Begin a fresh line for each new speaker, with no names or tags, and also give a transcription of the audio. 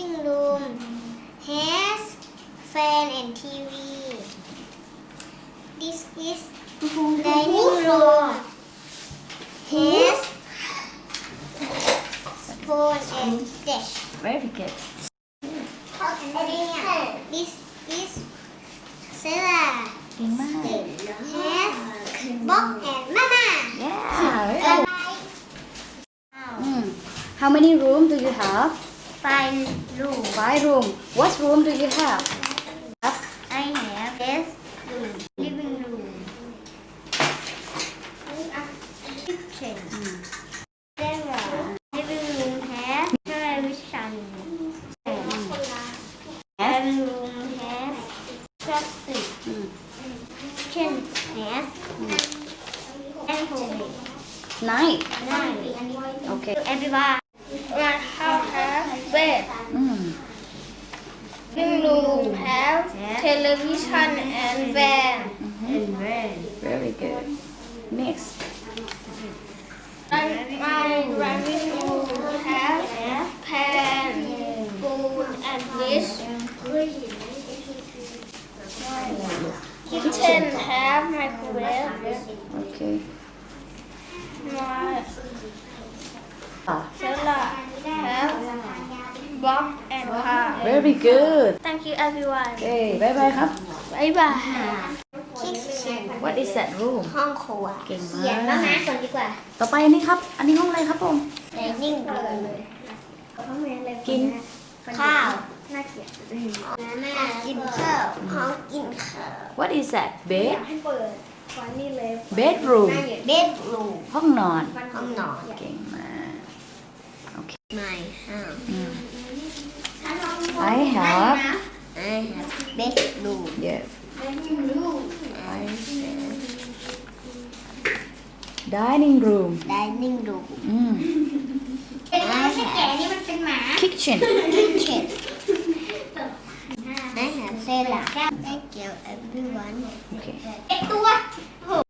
living room has fan and TV. This is dining room has spoon and dish.
Very good.
This is cellar
เก่งมาก
has box and mama.
Yeah, very good. How many room do you have?
5 room.
5 room. What room do you have?
I have this room, living room, kitchen. Living room has television. Living room has plastic. Kitchen has microwave.
Nice. Okay.
Everyone. My house has bed. Living room has television and van.
Very good. Next.
My living room has pan, spoon, and dish. Kitchen have microwave.
Okay.
My cellar have box and car.
Very good.
Thank you everyone.
Okay. Bye bye ครับ
Bye bye. Kitchen.
What is that room
ห้องครัว
เก่งมาก
เขียนแล้วนะก่อนดีกว่า
ต่อไปอันนี้ครับ อันนี้ห้องอะไรครับผม
dining room
กิน
ข้าวน่าเกลียดแม่กินข้าวห้องกินข้าว
What is that bed
ให้เปิดฟันนี่เลย
bedroom
bedroom
ห้องนอน
ห้องนอน
เก่งมาก
my house
I have
I have bedroom
yes
I have
dining room
dining room
อืม
I have
kitchen
kitchen I have cellar thank you everyone
โอเค
ตัว